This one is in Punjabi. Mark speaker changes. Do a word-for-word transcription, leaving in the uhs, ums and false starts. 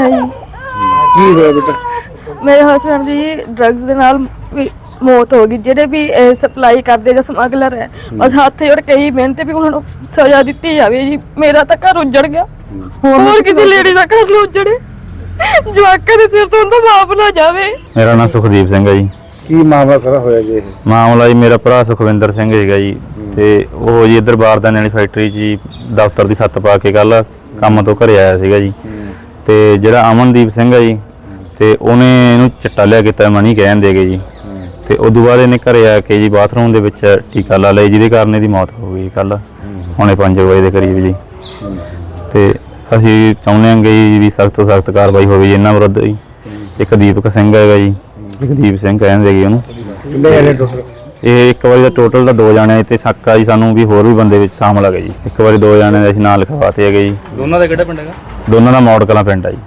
Speaker 1: ਹੈ ਜੀ।
Speaker 2: ਕੀ ਹੋਇਆ ਬੇਟਾ?
Speaker 1: ਮੇਰੇ ਹਸਬੈਂਡ ਦੀ ਡਰੱਗਸ ਦੇ ਨਾਲ ਵੀ ਮੌਤ ਹੋ ਗਈ। ਜਿਹੜੇ ਵੀ ਸਪਲਾਈ ਕਰਦੇ ਜਾਂ ਸਮਗਲਰ ਹੈ, ਬਸ ਹੱਥ ਜੋੜ ਕੇ ਹੀ ਮਿਹਨਤ ਵੀ ਉਹਨਾਂ ਨੂੰ ਸਜ਼ਾ ਦਿੱਤੀ ਜਾਵੇ ਜੀ। ਮੇਰਾ ਤਾਂ ਘਰ ਉੱਜੜ ਗਿਆ, ਹੋਰ ਕਿਸੇ ਲੇਡੀ ਦਾ ਘਰ ਨਾ ਉੱਜੜੇ, ਜਵਾਕਾਂ ਦੇ ਸਿਰ ਤੋਂ ਉਹਦਾ ਮਾਪ ਨਾ ਜਾਵੇ।
Speaker 3: ਮੇਰਾ ਨਾਮ ਸੁਖਦੀਪ ਸਿੰਘ ਹੈ ਜੀ।
Speaker 2: ਕੀ ਮਾਮਲਾ ਸਾਰਾ ਹੋਇਆ ਜੀ? ਇਹ
Speaker 3: ਮਾਮਲਾ ਜੀ ਮੇਰਾ ਭਰਾ ਸੁਖਵਿੰਦਰ ਸਿੰਘ ਹੈਗਾ ਜੀ, ਤੇ ਉਹ ਜੀ ਇੱਧਰ ਬਾਰਦਾਨੇ ਵਾਲੀ ਫੈਕਟਰੀ 'ਚ ਜੀ ਦਫ਼ਤਰ ਦੀ ਛੱਤ ਪਾ ਕੇ ਕੱਲ ਕੰਮ ਤੋਂ ਘਰੇ ਆਇਆ ਸੀਗਾ ਜੀ। ਤੇ ਜਿਹੜਾ ਅਮਨਦੀਪ ਸਿੰਘ ਹੈ ਜੀ, ਤੇ ਉਹਨੇ ਇਹਨੂੰ ਚਿੱਟਾ ਲਿਆ ਕੀਤਾ ਮਨੀ ਕਹਿਣ ਦੇ ਗਏ ਜੀ। ਤੇ ਉਦੋਂ ਬਾਅਦ ਇਹਨੇ ਘਰੇ ਆ ਕੇ ਜੀ ਬਾਥਰੂਮ ਦੇ ਵਿੱਚ ਟੀਕਾ ਲਾ ਲਿਆ, ਜਿਹਦੇ ਕਾਰਨ ਇਹਦੀ ਮੌਤ ਹੋ ਗਈ ਕੱਲ ਪੌਣੇ ਪੰਜ ਵਜੇ ਦੇ ਕਰੀਬ ਜੀ। ਤੇ ਅਸੀਂ ਚਾਹੁੰਦੇ ਹਾਂ ਜੀ ਵੀ ਸਖਤ ਤੋਂ ਸਖਤ ਕਾਰਵਾਈ ਹੋਵੇ ਜੀ ਇਹਨਾਂ ਵਿਰੁੱਧ ਜੀ। ਇੱਕ ਦੀਪਕ ਸਿੰਘ ਹੈਗਾ ਜੀ, ਦੀਪ ਸਿੰਘ ਕਹਿੰਦੇ ਜੀ ਉਹਨੂੰ।
Speaker 2: ਕਿੰਨੇ ਜਣੇ ਟੋਟਲ?
Speaker 3: ਇਹ ਇੱਕ ਵਾਰੀ ਦਾ ਟੋਟਲ ਦਾ ਦੋ ਜਾਣੇ ਤੇ ਸ਼ੱਕ ਆ ਜੀ ਸਾਨੂੰ ਵੀ ਹੋਰ ਵੀ ਬੰਦੇ ਵਿੱਚ ਸ਼ਾਮਲ ਹੈਗੇ ਜੀ। ਇੱਕ ਵਾਰੀ ਦੋ ਜਾਣੇ ਦੇ ਅਸੀਂ ਨਾਂ ਲਿਖਵਾਤੇ ਹੈਗੇ ਜੀ।
Speaker 4: ਦੋਨਾਂ ਦਾ ਕਿਹੜਾ ਪਿੰਡ ਹੈਗਾ?
Speaker 3: ਦੋਨਾਂ ਦਾ ਮੌੜ ਕਲਾਂ ਪਿੰਡ ਆ ਜੀ।